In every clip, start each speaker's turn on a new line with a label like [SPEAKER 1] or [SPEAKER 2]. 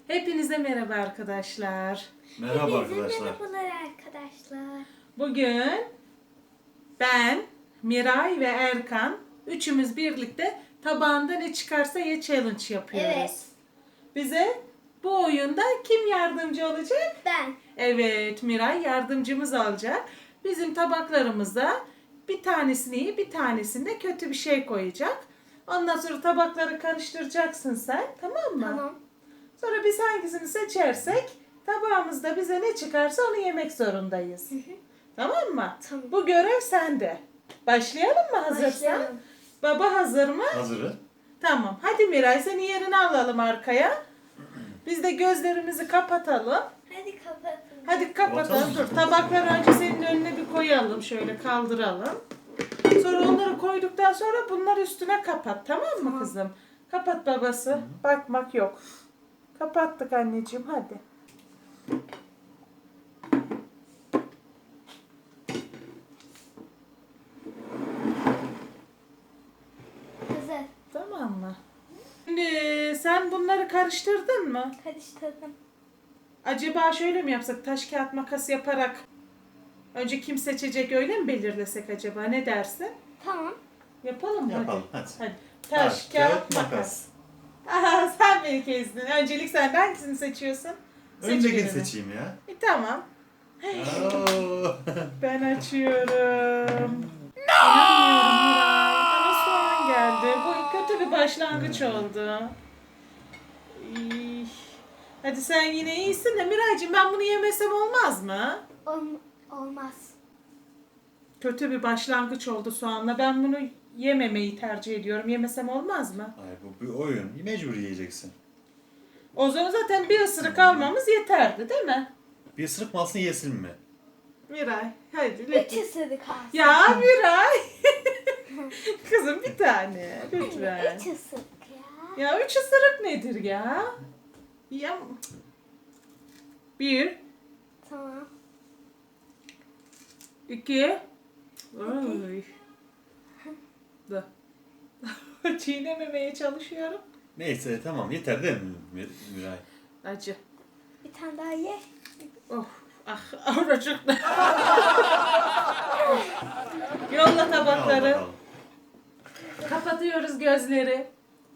[SPEAKER 1] Hepinize merhaba arkadaşlar.
[SPEAKER 2] Merhaba arkadaşlar.
[SPEAKER 3] Merhabalar arkadaşlar.
[SPEAKER 1] Bugün ben, Miray ve Erkan üçümüz birlikte tabağında ne çıkarsa ye challenge yapıyoruz.
[SPEAKER 3] Evet.
[SPEAKER 1] Bize bu oyunda kim yardımcı olacak?
[SPEAKER 3] Ben.
[SPEAKER 1] Evet, Miray yardımcımız olacak. Bizim tabaklarımıza bir tanesini iyi, bir tanesinde kötü bir şey koyacak. Ondan sonra tabakları karıştıracaksın sen, tamam mı?
[SPEAKER 3] Tamam.
[SPEAKER 1] Sonra biz hangisini seçersek tabağımızda bize ne çıkarsa onu yemek zorundayız. Tamam mı?
[SPEAKER 3] Tamam.
[SPEAKER 1] Bu görev sende. Başlayalım mı hazırsan?
[SPEAKER 3] Başlayalım.
[SPEAKER 1] Baba hazır mı?
[SPEAKER 2] Hazırız.
[SPEAKER 1] Tamam. Hadi Miray seni yerine alalım arkaya. Biz de gözlerimizi kapatalım.
[SPEAKER 3] Hadi kapatın.
[SPEAKER 1] Hadi kapatalım.
[SPEAKER 2] Kapatalım.
[SPEAKER 1] Dur. Tabakları önce senin önüne bir koyalım. Şöyle kaldıralım. Sonra onları koyduktan sonra bunları üstüne kapat. Tamam mı
[SPEAKER 3] Tamam.
[SPEAKER 1] kızım? Kapat babası. Bakmak yok. Kapattık anneciğim hadi.
[SPEAKER 3] Hazır.
[SPEAKER 1] Tamam mı? Şimdi sen bunları karıştırdın mı?
[SPEAKER 3] Karıştırdım.
[SPEAKER 1] Acaba şöyle mi yapsak? Taş kağıt makas yaparak önce kim seçecek öyle mi belirlesek acaba? Ne dersin?
[SPEAKER 3] Tamam.
[SPEAKER 1] Yapalım mı?
[SPEAKER 2] Yapalım, hadi.
[SPEAKER 1] Hadi. Taş, kağıt, makas. Aha, sen beni kezdin. Öncelik sen de hangisini seçiyorsun? Seç
[SPEAKER 2] Önceki
[SPEAKER 1] birini.
[SPEAKER 2] seçeyim ya.
[SPEAKER 1] Tamam.
[SPEAKER 2] Oo.
[SPEAKER 1] Ben açıyorum. İnanmıyorum Miray. Bana soğan geldi. Bu kötü bir başlangıç oldu. İy. Hadi sen yine iyisin de Miraycığım ben bunu yemesem olmaz mı?
[SPEAKER 3] Olmaz.
[SPEAKER 1] Kötü bir başlangıç oldu soğanla. Ben bunu yememeyi tercih ediyorum. Yemesem olmaz mı?
[SPEAKER 2] Ay bu bir oyun. Mecbur yiyeceksin.
[SPEAKER 1] O zaman zaten bir ısırık almamız yeterdi değil mi?
[SPEAKER 2] Bir ısırık mı alsın yesin mi?
[SPEAKER 1] Miray hadi
[SPEAKER 3] Üç
[SPEAKER 1] lütfen.
[SPEAKER 3] ısırık alsın.
[SPEAKER 1] Ya Miray. Kızım bir tane lütfen.
[SPEAKER 3] Üç ısırık ya.
[SPEAKER 1] Ya 3 ısırık nedir ya? Ya 1
[SPEAKER 3] Tamam.
[SPEAKER 1] 2 Oy. Da. Çiğnememeye çalışıyorum.
[SPEAKER 2] Neyse tamam yeter değil mi Miray?
[SPEAKER 1] Acı.
[SPEAKER 3] Bir tane daha ye.
[SPEAKER 1] Of. Ah oracık. Yolla
[SPEAKER 2] Al
[SPEAKER 1] tabakları.
[SPEAKER 2] bakalım.
[SPEAKER 1] Kapatıyoruz gözleri.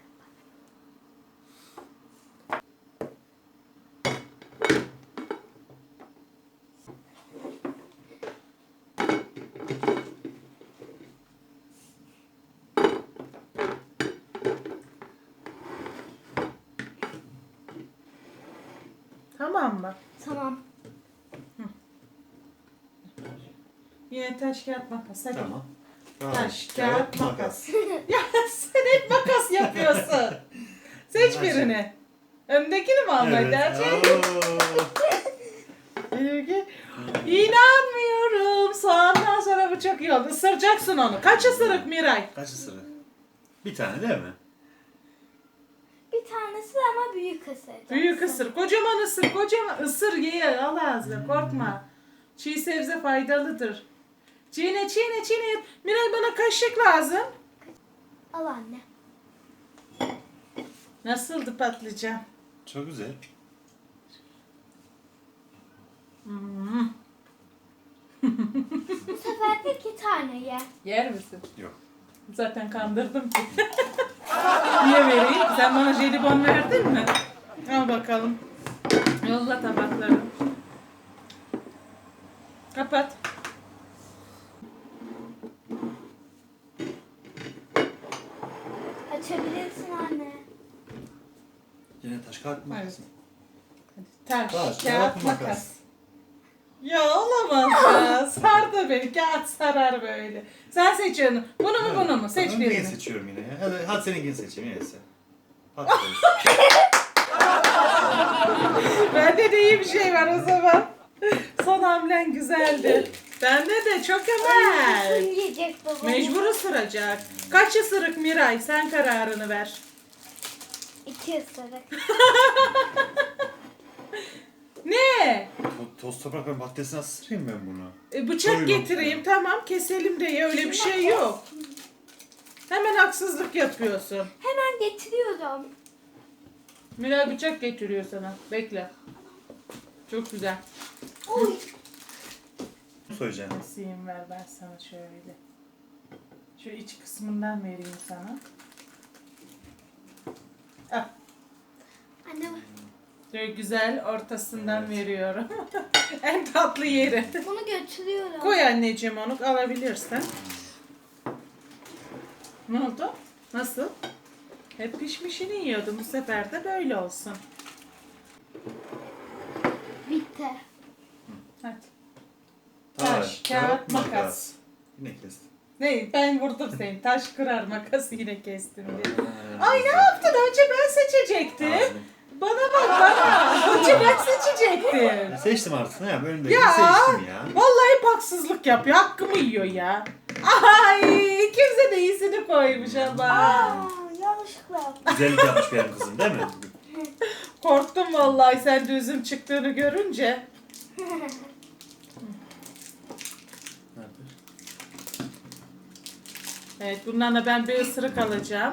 [SPEAKER 1] Tamam mı?
[SPEAKER 3] Tamam.
[SPEAKER 1] Yine taş kağıt makas. Hadi.
[SPEAKER 2] Tamam.
[SPEAKER 1] Taş, kağıt, makas. Ya sen hep makas yapıyorsun. Seç
[SPEAKER 2] Makas.
[SPEAKER 1] birini. Öndekini mi almayı
[SPEAKER 2] Evet.
[SPEAKER 1] tercih
[SPEAKER 2] Oo.
[SPEAKER 1] ediyorsun? İnanmıyorum. Soğandan sonra bu çok iyi oldu. Isıracaksın onu. Kaç ısırık Miray?
[SPEAKER 2] Kaç ısırık? Bir tane değil mi?
[SPEAKER 3] Bir tanesi ama büyük ısırık.
[SPEAKER 1] Büyük ısır. Kocaman ısır. Kocaman ısır ye. Al ağzına. Korkma. Çiğ sebze faydalıdır. Çiğne çiğne çiğne. Miray bana kaşık lazım.
[SPEAKER 3] Al anne.
[SPEAKER 1] Nasıldı patlıcan?
[SPEAKER 2] Çok güzel.
[SPEAKER 3] Bu sefer de 2 tane ye.
[SPEAKER 1] Yer misin?
[SPEAKER 2] Yok.
[SPEAKER 1] Zaten kandırdım ki. Niye vereyim? Sen bana jelibon verdin mi? Al bakalım. Yolla tabakları. Kapat.
[SPEAKER 3] Açabilirsin anne.
[SPEAKER 2] Yine taş kağıt makas mı?
[SPEAKER 1] Taş,
[SPEAKER 2] Taş,
[SPEAKER 1] kağıt,
[SPEAKER 2] kağıt,
[SPEAKER 1] makas.
[SPEAKER 2] makas.
[SPEAKER 1] Ya olamaz ya. Sardı beni. Kağıt sarar böyle. Sen seç onu. Bunu mu bunu mu? Seç
[SPEAKER 2] Ben
[SPEAKER 1] birini.
[SPEAKER 2] öndekini seçiyorum yine ya. Hadi seninkini seçeyim neyse. Hadi.
[SPEAKER 1] Bende de iyi bir şey var o zaman. Son hamlen güzeldi. Bende de çok
[SPEAKER 3] Kim
[SPEAKER 1] emel.
[SPEAKER 3] yiyecek baba?
[SPEAKER 1] Mecbur ısıracak. Kaç ısırık Miray? Sen kararını ver.
[SPEAKER 3] 2 ısırık.
[SPEAKER 1] Ne?
[SPEAKER 2] Toz toprak ve patatesi nasıl sırayım ben bunu?
[SPEAKER 1] Bıçak
[SPEAKER 2] Koyun.
[SPEAKER 1] getireyim tamam keselim de ye öyle bir şey yok. Hemen haksızlık yapıyorsun.
[SPEAKER 3] Hemen getiriyorum.
[SPEAKER 1] Miray bıçak getiriyor sana. Bekle. Çok güzel.
[SPEAKER 3] Oy.
[SPEAKER 2] Soyacağım.
[SPEAKER 1] Keseyim ver ben sana şöyle. Şu iç kısmından vereyim sana. Al.
[SPEAKER 3] Anne bak.
[SPEAKER 1] Şöyle güzel ortasından
[SPEAKER 2] Evet.
[SPEAKER 1] veriyorum. En tatlı yeri.
[SPEAKER 3] Bunu götürüyorum.
[SPEAKER 1] Koy anneciğim onu alabilirsin. Ne oldu? Nasıl? Hep pişmişini yiyordum. Bu sefer de böyle olsun.
[SPEAKER 3] Bitti.
[SPEAKER 1] Hadi.
[SPEAKER 2] Taş, kağıt, makas. Yine kestim.
[SPEAKER 1] Ne? Ben vurdum seni. Taş kırar makas yine kestim diye. Ay ne yaptın? Önce ben seçecektim.
[SPEAKER 2] Ağzını.
[SPEAKER 1] Bana bak bana. Önce ben seçecektim.
[SPEAKER 2] Seçtim artık. Ne yapayım? Önümdekini
[SPEAKER 1] Ya.
[SPEAKER 2] seçtim ya.
[SPEAKER 1] Vallahi hep haksızlık yapıyor. Hakkımı yiyor ya. Ay kimse de iyisini koymuş ama.
[SPEAKER 3] Yanlışlıkla.
[SPEAKER 2] Güzellik yapmış benim kızım değil mi?
[SPEAKER 1] Korktum vallahi sen de üzüm çıktığını görünce.
[SPEAKER 2] Ne yapıyor?
[SPEAKER 1] Evet bundan da ben bir ısırık alacağım.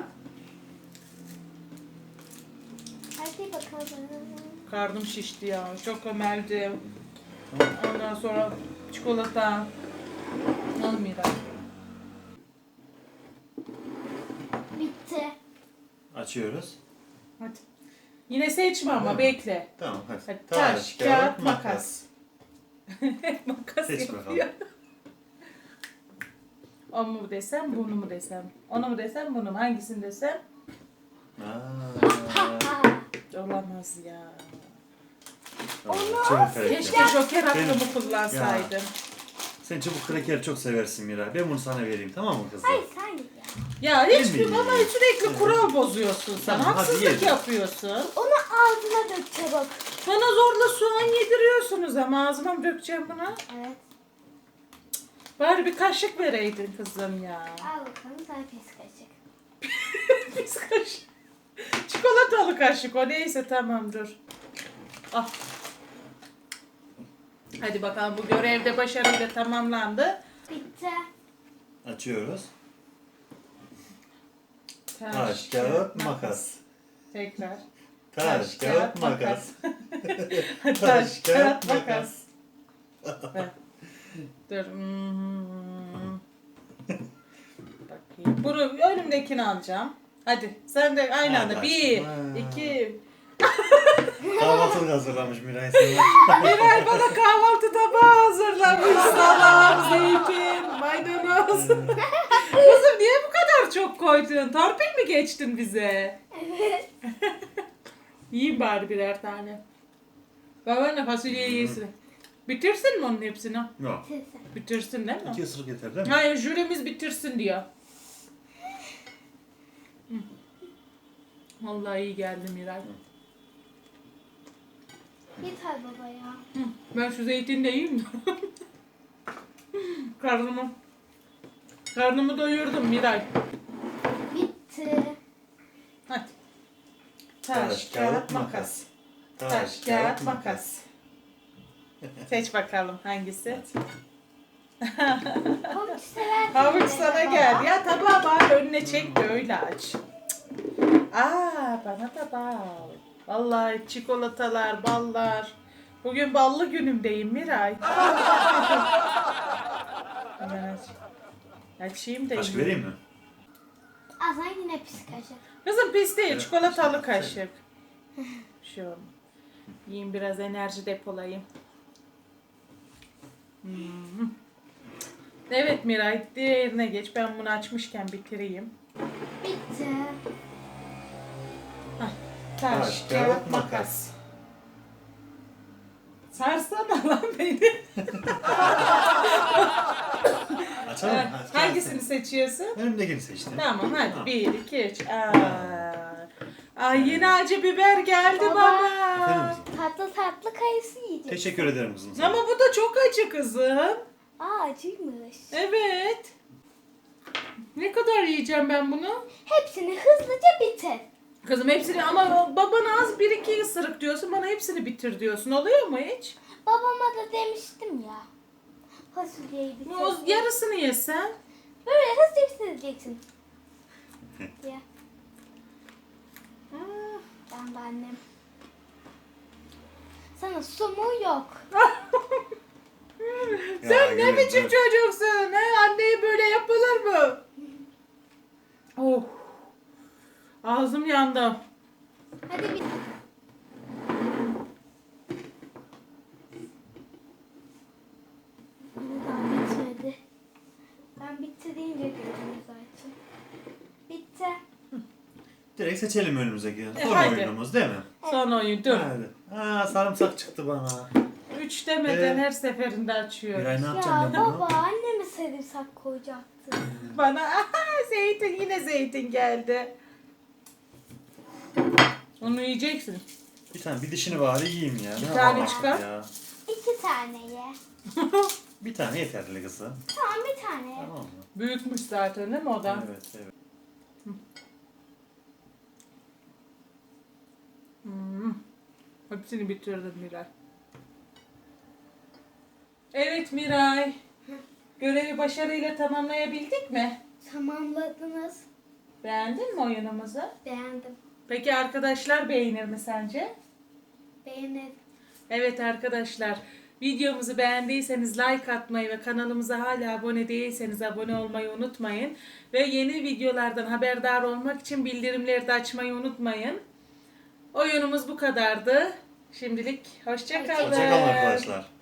[SPEAKER 3] Hadi bakalım.
[SPEAKER 1] Karnım şişti ya. Çok ömeldim. Ondan sonra çikolata. Almira.
[SPEAKER 3] Bitti.
[SPEAKER 2] Açıyoruz.
[SPEAKER 1] Hadi. Yine seçme ama
[SPEAKER 2] Tamam.
[SPEAKER 1] bekle.
[SPEAKER 2] Tamam hadi.
[SPEAKER 1] Hadi, taş, kağıt, makas. Makas
[SPEAKER 2] Seç
[SPEAKER 1] yapıyor.
[SPEAKER 2] bakalım.
[SPEAKER 1] O mu desem, bunu mu desem? Onu mu desem, bunu mu? Hangisini desem? Olamaz ya.
[SPEAKER 2] Çabuk kraker.
[SPEAKER 1] Keşke joker hakkımı kullansaydım.
[SPEAKER 2] Sen çabuk kraker çok seversin Mira. Ben bunu sana vereyim tamam mı kızım?
[SPEAKER 3] Hayır sen ye.
[SPEAKER 1] Ya hiç
[SPEAKER 2] Yemeyin
[SPEAKER 1] ama
[SPEAKER 2] ya.
[SPEAKER 1] sürekli kural bozuyorsun sen.
[SPEAKER 2] Tamam, hadi
[SPEAKER 1] Haksızlık
[SPEAKER 2] yiyelim.
[SPEAKER 1] yapıyorsun.
[SPEAKER 3] Onu ağzına dök çabuk.
[SPEAKER 1] Bana zorla soğan yediriyorsunuz ama ağzıma mı dökeceğim bunu?
[SPEAKER 3] Evet.
[SPEAKER 1] Bari bir kaşık vereydin kızım ya.
[SPEAKER 3] Al bakalım sana pis kaşık.
[SPEAKER 1] Biz kaşık. Çikolatalı kaşık o neyse tamam dur. Ah. Hadi bakalım bu görev de başarıyla tamamlandı.
[SPEAKER 3] Bitti.
[SPEAKER 2] Açıyoruz. Taş, kağıt, makas.
[SPEAKER 1] Tekrar.
[SPEAKER 2] Taş, kağıt, makas.
[SPEAKER 1] Taş, kağıt, makas. Ver. Dur. Hmm. Bakayım. Bunu önümdekini alacağım. Hadi sen de aynı
[SPEAKER 2] Ha,
[SPEAKER 1] anda.
[SPEAKER 2] taş.
[SPEAKER 1] 1,
[SPEAKER 2] Ha.
[SPEAKER 1] 2.
[SPEAKER 2] Kahvaltılık hazırlamış Miray sana.
[SPEAKER 1] Miray bana kahvaltı tabağı hazırlamış. Salam, zeytin, maydanoz. Kızım niye bu kadar çok koydun? Torpil mi geçtin bize?
[SPEAKER 3] Evet.
[SPEAKER 1] Yiyeyim bari birer tane. Babaanne fasulyeyi yesin. Bitirsin mi onun hepsini?
[SPEAKER 2] Yok.
[SPEAKER 3] Sen.
[SPEAKER 1] Bitirsin değil mi?
[SPEAKER 2] 2 ısırık yeter değil mi?
[SPEAKER 1] Hayır jürimiz bitirsin diyor. Hı. Vallahi iyi geldi Miray.
[SPEAKER 3] Yeter baba ya.
[SPEAKER 1] Hı. Ben şu zeytini de yiyeyim de. Karnımı doyurdum Miray.
[SPEAKER 3] Bitti.
[SPEAKER 1] Hadi. Taş, kağıt, makas. Taş, kağıt, makas. Seç bakalım hangisi?
[SPEAKER 3] Havuç sever.
[SPEAKER 1] Havuç sana gel. Ya tabağı bari önüne çek de öyle aç. Cık. Aa bana da bal. Vallahi çikolatalar, ballar. Bugün ballı günümdeyim Miray. Hemen aç. Açayım da
[SPEAKER 2] Kaşık
[SPEAKER 1] yiyeyim.
[SPEAKER 2] vereyim mi?
[SPEAKER 3] Azan yine pis kaşık.
[SPEAKER 1] Kızım pis değil,
[SPEAKER 2] Evet,
[SPEAKER 1] çikolatalı
[SPEAKER 2] kaşık.
[SPEAKER 1] kaşık. Şu. Yiyeyim biraz enerji depolayayım. Hmm. Evet Miray, diğerine geç. Ben bunu açmışken bitireyim.
[SPEAKER 3] Bitti.
[SPEAKER 1] Taş, kağıt, makas. Sarsana lan beni.
[SPEAKER 2] Açalım mı? Hadi,
[SPEAKER 1] Hangisini seçiyorsun?
[SPEAKER 2] Önümdekini seçtim.
[SPEAKER 1] Tamam hadi.
[SPEAKER 2] Tamam.
[SPEAKER 1] 1, 2, 3. Ay yine acı biber geldi
[SPEAKER 3] Baba.
[SPEAKER 1] bana.
[SPEAKER 2] Efendim kızım?
[SPEAKER 3] Tatlı tatlı kayısı yiyeceğiz.
[SPEAKER 2] Teşekkür ederim kızım sana.
[SPEAKER 1] Ama bu da çok acı kızım.
[SPEAKER 3] Aa acıymış.
[SPEAKER 1] Evet. Ne kadar yiyeceğim ben bunu?
[SPEAKER 3] Hepsini hızlıca bitir.
[SPEAKER 1] Kızım hepsini ama babana az 1-2 ısırık diyorsun. Bana hepsini bitir diyorsun. Oluyor mu hiç?
[SPEAKER 3] Babama da demiştim ya. Fasulyeyi bitir.
[SPEAKER 1] O yarısını yesen.
[SPEAKER 3] Böyle hızlıca bitireceksin. Ya.
[SPEAKER 1] Hmm.
[SPEAKER 3] Ben de annem. Sana su mu yok?
[SPEAKER 1] Sen ne
[SPEAKER 2] gülüm,
[SPEAKER 1] biçim
[SPEAKER 2] evet.
[SPEAKER 1] çocuksun? He? Anneye böyle yapılır mı? Oh. Ağzım yandı.
[SPEAKER 3] Hadi bir... Daha bitmedi. Ben bitti deyince gördüm zaten. Bitti.
[SPEAKER 2] Direkt seçelim önümüzdeki. Son
[SPEAKER 1] hadi.
[SPEAKER 2] oyunumuz değil mi?
[SPEAKER 1] Son oyun dur.
[SPEAKER 2] Hadi. Aa, sarımsak çıktı bana.
[SPEAKER 1] 3 demeden
[SPEAKER 2] Ee,
[SPEAKER 1] her seferinde açıyor.
[SPEAKER 2] Miray ne
[SPEAKER 3] Ya
[SPEAKER 2] yapacağım ben bunu?
[SPEAKER 3] baba anneme sarımsak koyacaktı.
[SPEAKER 1] Bana zeytin, yine zeytin geldi. Onu yiyeceksin.
[SPEAKER 2] Bir dişini bari yiyeyim ya.
[SPEAKER 1] Bir
[SPEAKER 2] Ne
[SPEAKER 1] tane
[SPEAKER 2] yapalım
[SPEAKER 1] çıkar.
[SPEAKER 2] Ya.
[SPEAKER 3] 2 tane ye.
[SPEAKER 2] Bir tane yeterli kızım.
[SPEAKER 3] Tamam bir tane ye.
[SPEAKER 2] Tamam mı?
[SPEAKER 1] Büyükmüş zaten değil mi o da?
[SPEAKER 2] Evet evet.
[SPEAKER 1] Hmm. Hepsini bitirdim Miray. Evet Miray. Görevi başarıyla tamamlayabildik mi?
[SPEAKER 3] Tamamladınız.
[SPEAKER 1] Beğendin mi oyunumuzu?
[SPEAKER 3] Beğendim.
[SPEAKER 1] Peki arkadaşlar beğenir mi sence?
[SPEAKER 3] Beğendim.
[SPEAKER 1] Evet arkadaşlar, videomuzu beğendiyseniz like atmayı ve kanalımıza hala abone değilseniz abone olmayı unutmayın. Ve yeni videolardan haberdar olmak için bildirimleri de açmayı unutmayın. Oyunumuz bu kadardı. Şimdilik hoşça kalın.
[SPEAKER 2] Hoşçakalın arkadaşlar.